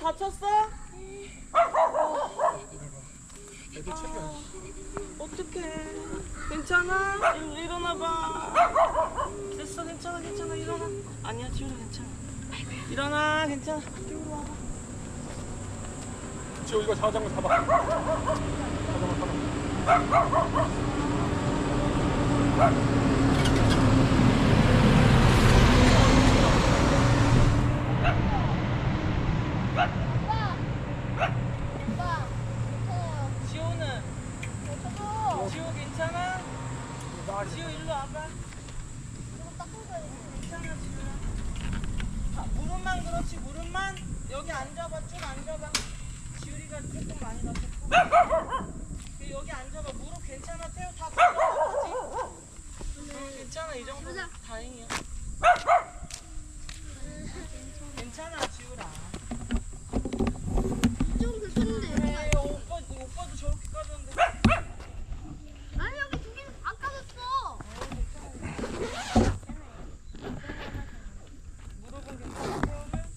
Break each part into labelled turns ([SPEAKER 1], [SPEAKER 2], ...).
[SPEAKER 1] 다쳤어?
[SPEAKER 2] 애들 챙겨.
[SPEAKER 1] 어떡해. 괜찮아? 일어나봐. 됐어, 괜찮아, 괜찮아. 일어나. 아니야, 지우라 괜찮아. 일어나, 괜찮아. 이쪽으로 와봐.
[SPEAKER 2] 지호 이거 자전거 잡아. 자전거 타봐.
[SPEAKER 1] 지호는? 지호 괜찮아? 지호 일로 와봐. 괜찮아, 지호야. 무릎만 그렇지, 무릎만. 여기 앉아봐, 쭉 앉아봐. 지우리가 조금 많이 다쳤고. 여기 앉아봐. 무릎 괜찮아, 태우 다 걸어가지. 괜찮아, 이 정도 다행이야. 괜찮아, 지우라.
[SPEAKER 3] 좀 불편한데.
[SPEAKER 1] 그래, 오빠도 저렇게 까졌는데.
[SPEAKER 3] 아니 여기 두 개는 안 까졌어.
[SPEAKER 1] 무릎은 괜찮아, 태우는?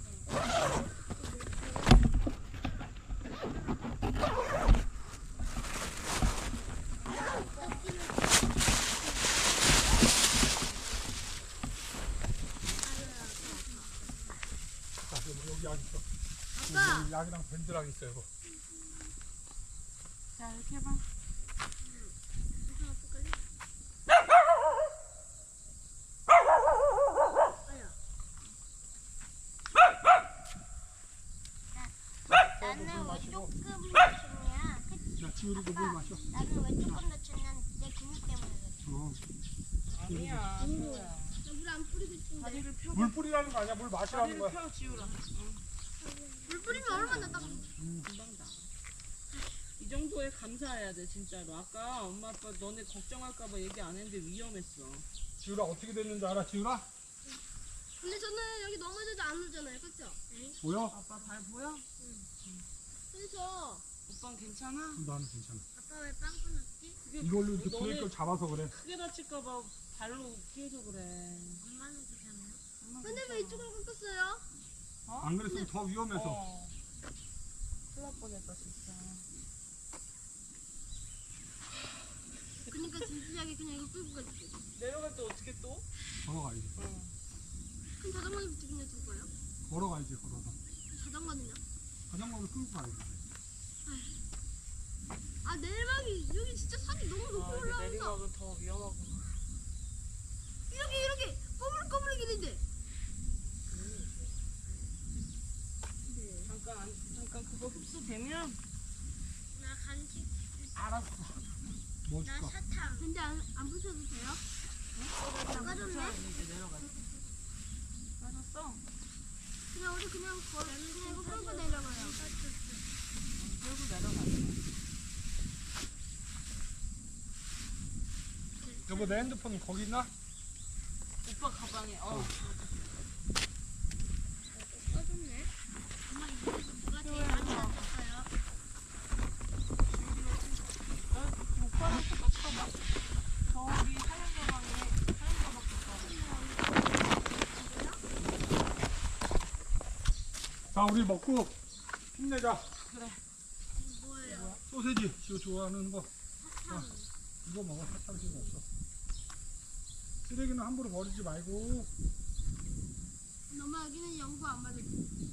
[SPEAKER 2] 여기 약 있어.
[SPEAKER 3] 아빠.
[SPEAKER 2] 여기 약이랑 밴드랑 있어 이거.
[SPEAKER 1] 자, 이렇게 해봐.
[SPEAKER 3] 나는 왜 조금 다쳤냐?
[SPEAKER 2] 자, 지우리도 물 마셔.
[SPEAKER 3] 나는 왜 조금 다쳤냐? 내 근육 때문에 그래.
[SPEAKER 1] 아니야, 지우야.
[SPEAKER 3] 나물안 뿌리고 싶은데.
[SPEAKER 1] 다리를 펴.
[SPEAKER 2] 물 뿌리라는 거 아니야? 물 마시라는
[SPEAKER 1] 다리를
[SPEAKER 2] 거야.
[SPEAKER 1] 펴, 지우라.
[SPEAKER 3] 물 뿌리면 얼마나 딱.
[SPEAKER 1] 금방 나. 이 정도에 감사해야 돼, 진짜로. 아까 엄마 아빠 너네 걱정할까봐 얘기 안 했는데 위험했어.
[SPEAKER 2] 지우라 어떻게 됐는지 알아? 지우라?
[SPEAKER 3] 근데 저는 여기 넘어져도 안 울잖아요, 그렇죠?
[SPEAKER 2] 보여?
[SPEAKER 1] 아빠 발 보여?
[SPEAKER 3] 그래서
[SPEAKER 1] 오빠는 괜찮아?
[SPEAKER 2] 나는 괜찮아.
[SPEAKER 3] 아빠 왜 빵꾸 났지?
[SPEAKER 1] 그게
[SPEAKER 2] 이걸로 이렇게
[SPEAKER 1] 너네
[SPEAKER 2] 브레이크를 잡아서 그래.
[SPEAKER 1] 크게 다칠까봐 발로 피해서 그래.
[SPEAKER 3] 엄마는 괜찮아요?
[SPEAKER 1] 엄마
[SPEAKER 3] 근데 왜
[SPEAKER 1] 괜찮아.
[SPEAKER 3] 이쪽으로 꺾었어요?
[SPEAKER 2] 안 그랬으면 더 위험해서.
[SPEAKER 1] 큰일 날 뻔했다, 진짜.
[SPEAKER 3] 그러니까 진지하게 그냥 이거 끌고 갈게.
[SPEAKER 1] 내려갈 때 어떻게 또?
[SPEAKER 2] 걸어가야지.
[SPEAKER 3] 그럼 자전거부터 그냥 둘 거예요?
[SPEAKER 2] 걸어가야지, 걸어서.
[SPEAKER 3] 자전거는요?
[SPEAKER 2] 자전거를 끌고 가야지.
[SPEAKER 3] 아 내리막이 여기 진짜 산이 너무 높이
[SPEAKER 1] 이게
[SPEAKER 3] 올라와서
[SPEAKER 1] 내리막은 더 위험하구나.
[SPEAKER 3] 이렇게 꼬물꼬물거리는데.
[SPEAKER 1] 잠깐 그거 흡수되면
[SPEAKER 3] 나 간식.
[SPEAKER 1] 알았어.
[SPEAKER 2] 뭐 줄까?
[SPEAKER 3] 사탕. 근데 안 부셔도 돼요? 까졌네?
[SPEAKER 1] 이제 내려갔어. 빠졌어?
[SPEAKER 3] 그냥 우리 그냥 이거 끌고 내려가요.
[SPEAKER 1] 끌고 내려갔어.
[SPEAKER 2] 여보, 내 핸드폰 거기 있나?
[SPEAKER 1] 오빠 가방에
[SPEAKER 3] 까졌네. 엄마 이거 누가 제일 많이 다쳤어요?
[SPEAKER 1] 오빠랑 똑같이 봐봐. 저기 하얀 가방에 하얀 가방
[SPEAKER 2] 자, 우리 먹고 힘내자.
[SPEAKER 1] 그래.
[SPEAKER 3] 뭐예요?
[SPEAKER 2] 소세지, 지우 좋아하는 거. 자, 이거 먹어. 사탕 필요 없어. 쓰레기는 함부로 버리지 말고.
[SPEAKER 3] 엄마 여기는 연구 안 받을 거.